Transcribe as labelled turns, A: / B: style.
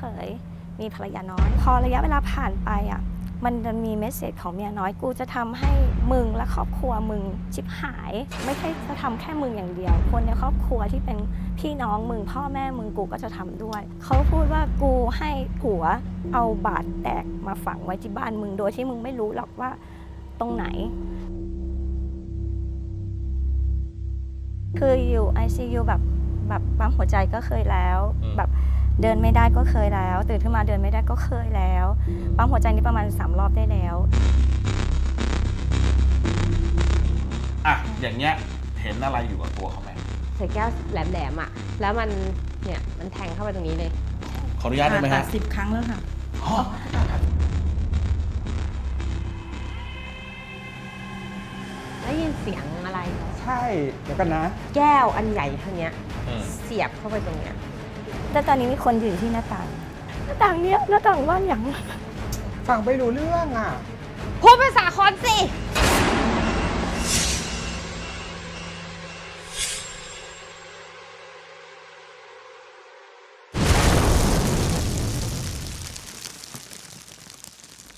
A: เคยมีภรรยาน้อยพอระยะเวลาผ่านไปอ่ะมันจะมีเมสเซจของเมียน้อยกูจะทำให้มึงและครอบครัวมึงชิบหายไม่ใช่จะทำแค่มึงอย่างเดียวคนในครอบครัวที่เป็นพี่น้องมึงพ่อแม่มึงกูก็จะทำด้วยเขาพูดว่ากูให้ผัวเอาบาดแตกมาฝังไว้ที่บ้านมึงโดยที่มึงไม่รู้หรอกว่าตรงไหนคืออยู่ ICU แบบปั๊มหัวใจก็เคยแล้วแบบเดินไม่ได้ก็เคยแล้วตื่นขึ้นมาเดินไม่ได้ก็เคยแล้วปั๊มหัวใจนี่ประมาณ3 รอบได้แล้ว
B: อ่ะอย่างเงี้ยเห็นอะไรอยู่กับตัวเขาไหม
C: ใส่แก้วแหลมๆอ่ะแล้วมันเนี่ยมันแทงเข้าไปตรงนี้เลย
B: ขออนุญาตได้ไหมฮะ
D: 10 ครั้งแล้วค่ะ
C: ได้ยินเสียงอะไร
E: ใช่เดี๋ยวกันนะ
C: แก้วอันใหญ่เท่านี้เสียบเข้าไปตรงเนี้ย
A: แต่ตอนนี้มีคนยืนที่หน้าต่างเนี้ยหน้าต่างว่างอย่าง
E: ฟังไม่รู้เรื่องอ่ะ
C: พูดภาษาคอนสิ